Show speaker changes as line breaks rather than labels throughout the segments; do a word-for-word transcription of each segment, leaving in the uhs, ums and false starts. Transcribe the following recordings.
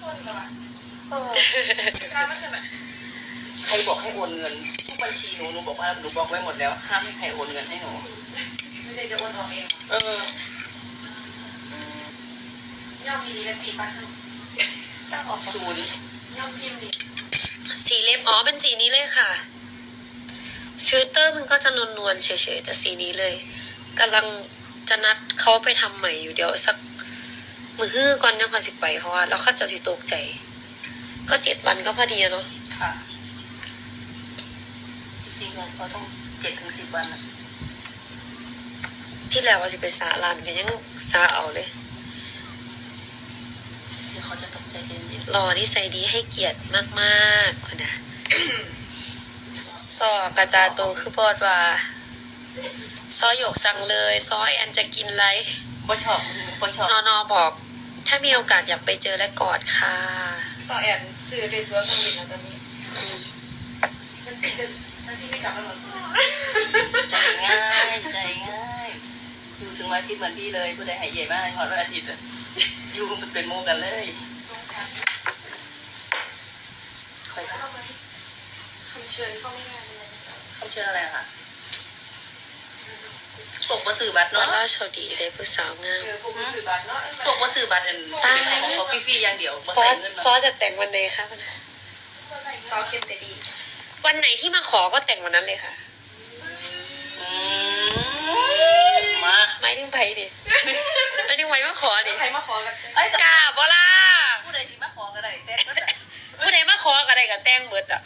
เออใครบอกให้โอนเงินทุกบัญชีหนูหนูบอกว่าหนูบอกไว้หมดแล้วห้ามให้ใครโอนเงินให้หนูไม่ได้จะโอนออกเองเออย่อมมีและตีปันตั้งออกศูนย์ย่อมพิมพ์ดิ
สีเล็บอ๋อเป็นสีนี้เลยค่ะฟิลเตอร์มันก็จะนวลๆเฉยๆแต่สีนี้เลยกำลังจะนัดเขาไปทำใหม่อยู่เดี๋ยวสักมือฮื้อก่อนยังพอสิไปเพราะว่าแล้วเขาจะสิตกใจก็เจ็ดวันก็พอดีเนาะ
ค่ะจริงๆเราต้องเจ็ดถึงสิบวันนะ
ที่แล้วว่าสิไปสาลานกันยังสาเอาเลย
เดี๋ยวเขาจะตกใจเย็น
รอที่ใส่ดีให้เกียรติมากๆคนนะซอกระตาโตคือบอดว่าซอหยกสั่งเลยซอยแอนจะกินอะไร
บ่ชอบบ่ชอบ
นอนอบอกถ้ามีโอกาสอยากไปเจอและกอดค่ะ
ซอแอนซื้อเป็นตัวเครื่องบินแล้วตอนนี้มันติดจะนั่นที่ไม่กลับมาหรอใจง่ายใจง่ายอยู่ถึงวันอาทิตย์เหมือนพี่เลยผู้ใดหายใหญ่มากหอดวันอาทิตย์อยู่เป็นโมกันเลยคอยเข้ามาคำเชิญเข้าไม่งานเลยคำเชิญอะไรคะตกมาสื่อบัตรเนาะ
ราชดีได้ผู้สาวงาม
ตกมาสื่อบัตรเนาะตกมาสื่อบัตรอันของเขาฟรีๆอย่างเดียว
ซอสซอสจะแต่งวันไหนคะ
ซอสเข้มแต่ดี
วันไหนที่มาขอก็แต่งวันนั้นเลยค่ะ
มา
ไม่ถึงไผ่ดิไม่ถึงไผ่มาขอดิ
ใครมาขอกัน
กาบล่ะ
ผู้ใดที่มาขอกันได้แต่งก็ได้
ผู้ใดมาขอกันได้กับแต่งเบิดอ่ะ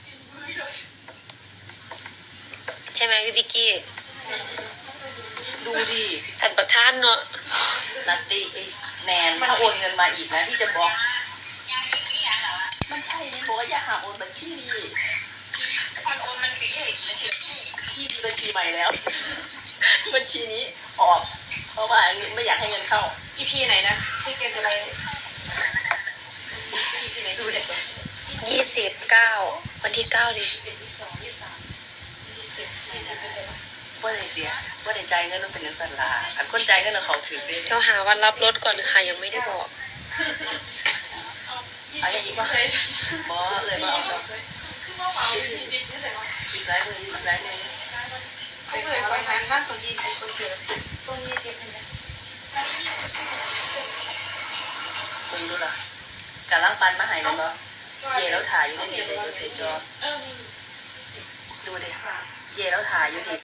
ใช่ไหมพี่พิกกี้
ดูดิ
ฉันประทานเนาะ
นัตตี้แนนถ้าโอนเงินมาอีกนะที่จะบอกมันใช่ไหมบอกว่าอย่าหาโอนบัญชีนี่มันโอนมันปิดเลยพี่มีบัญชีใหม่แล้วบัญชีนี้ออกเพราะว่าไม่อยากให้เงินเข้าอีพีไหนนะที่เกมจะไปอีพีไหนดูเด็ก
ยี่สิบเก้าวันที่เก้าดิ
ว่าได้เสียว่าได้ใจเงินต้องเป็นเงินสันลาอันคนใจเงินเขาถือได้
เราหาวันรับรถก่อนค่ะยังไม่ได้บอก
เอาอย่างนี้ป่ะบอเลยมาเอาอีกหลายมืออีกหลายมือไม่เคยไปทานข้าวตรงยี่สิบคนเดียวตรงยี่สิบเนี่ยคุณดูล่ะการล้างปันมาหายแล้วเนาะเย่แล้วถ่ายอยู่ในนี้เลยจดจอดูดิเย่แล้วถ่ายอยู่ดิ